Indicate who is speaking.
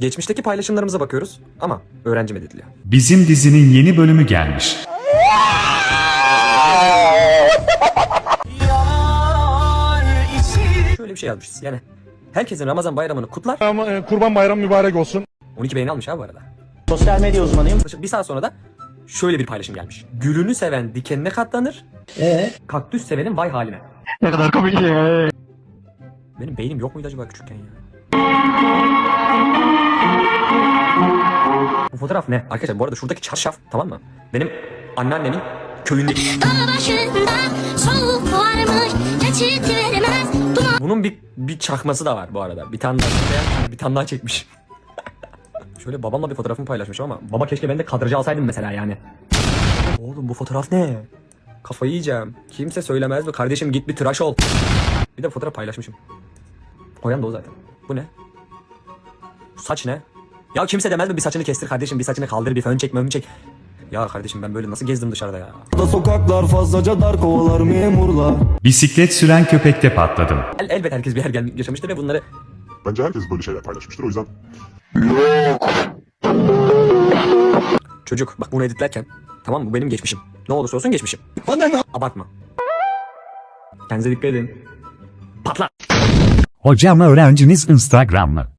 Speaker 1: Geçmişteki paylaşımlarımıza bakıyoruz ama öğrenci medediliyor.
Speaker 2: Bizim dizinin yeni bölümü gelmiş.
Speaker 1: Şöyle bir şey yazmışız yani. Herkesin Ramazan bayramını kutlar.
Speaker 3: Kurban bayramı mübarek olsun.
Speaker 1: 12 beğeni almış abi bu arada.
Speaker 4: Sosyal medya uzmanıyım.
Speaker 1: Bir saat sonra da şöyle bir paylaşım gelmiş. Gülünü seven dikenine katlanır. Kaktüs sevenin vay haline.
Speaker 4: Ne kadar komik ya.
Speaker 1: Benim beynim yok muydu acaba küçükken ya? Bu fotoğraf ne? Arkadaşlar bu arada şuradaki çarşaf, tamam mı? Benim anneannemin köyündeki. Bunun bir çakması da var bu arada. Bir tane daha, bir tane daha çekmiş. Şöyle babamla bir fotoğrafımı paylaşmışım ama baba keşke ben de kadrajı alsaydım mesela yani. Oğlum bu fotoğraf ne? Kafayı yiyeceğim. Kimse söylemez mi? Kardeşim git bir tıraş ol. Bir de fotoğraf paylaşmışım. Koyan da o zaten. Bu ne? Bu saç ne? Ya kimse demez mi bir saçını kestir kardeşim, bir saçını kaldır, bir fön çek, mön çek. Ya kardeşim ben böyle nasıl gezdim dışarıda ya?
Speaker 5: Sokaklar fazlaca dar, kovalar memurlar.
Speaker 2: Bisiklet süren köpekte patladım.
Speaker 1: Elbet herkes bir yer yaşamıştır ve bunları...
Speaker 6: Bence herkes böyle şeyler paylaşmıştır, o yüzden
Speaker 1: Çocuk bak bunu editlerken, tamam mı, bu benim geçmişim. Ne olursa olsun geçmişim. Abartma. Kendinize dikkat edin. Patla.
Speaker 2: Hocam öğrenciniz Instagram'lı.